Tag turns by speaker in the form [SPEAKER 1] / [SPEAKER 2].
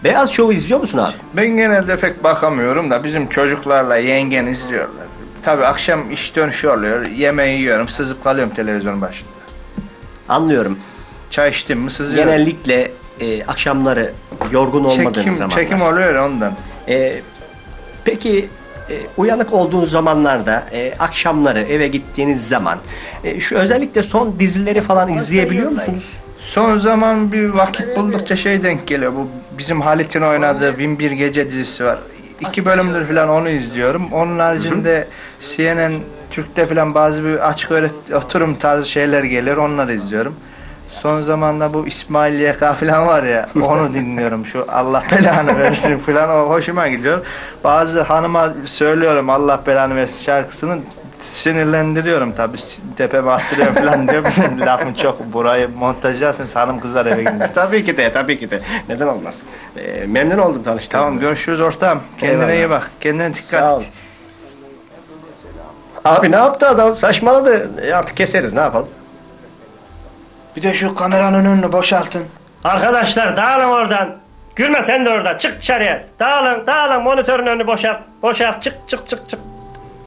[SPEAKER 1] Beyaz Şov'u izliyor musun abi?
[SPEAKER 2] Ben genelde pek bakamıyorum da bizim çocuklarla yengen izliyorlar. Tabii akşam iş dönüşü oluyor. Yemeği yiyorum, sızıp kalıyorum televizyonun başında.
[SPEAKER 1] Anlıyorum.
[SPEAKER 2] Çay içtim mi sızıyorum.
[SPEAKER 1] Genellikle akşamları yorgun olmadığınız zamanlar.
[SPEAKER 2] Çekim oluyor ondan.
[SPEAKER 1] Peki uyanık olduğunuz zamanlarda akşamları eve gittiğiniz zaman şu özellikle son dizileri falan izleyebiliyor musunuz?
[SPEAKER 2] Son zaman bir vakit buldukça şey denk geliyor. Bu bizim Halit'in oynadığı 1001 Gece dizisi var. 2 bölümdür falan onu izliyorum. Onun haricinde CNN Türk'te falan bazı bir açık oturum tarzı şeyler gelir. Onları izliyorum. Son zamanda bu İsmail YK falan var ya, onu dinliyorum. Şu Allah belanı versin falan, o hoşuma gidiyor. Bazı hanıma söylüyorum Allah belanı versin şarkısını, sinirlendiriyorum tabii, tepeme attırıyorum falan diyor. Lafın çok, burayı montajlarsın hanım kızar eve gidince.
[SPEAKER 1] Tabii ki de. Neden olmaz? Memnun oldum tanıştığımda.
[SPEAKER 2] Tamam, görüşürüz ortağım. Kendine
[SPEAKER 1] Eyvallah.
[SPEAKER 2] iyi bak. Kendine dikkat
[SPEAKER 1] Sağ ol.
[SPEAKER 2] et.
[SPEAKER 1] Abi ne yaptı adam? Saçmaladı. Artık keseriz, ne yapalım?
[SPEAKER 2] Bir de şu kameranın önünü boşaltın.
[SPEAKER 3] Arkadaşlar dağılın oradan. Gülme sen de oradan. Çık dışarıya. Dağılın. Monitörün önünü boşalt. Çık.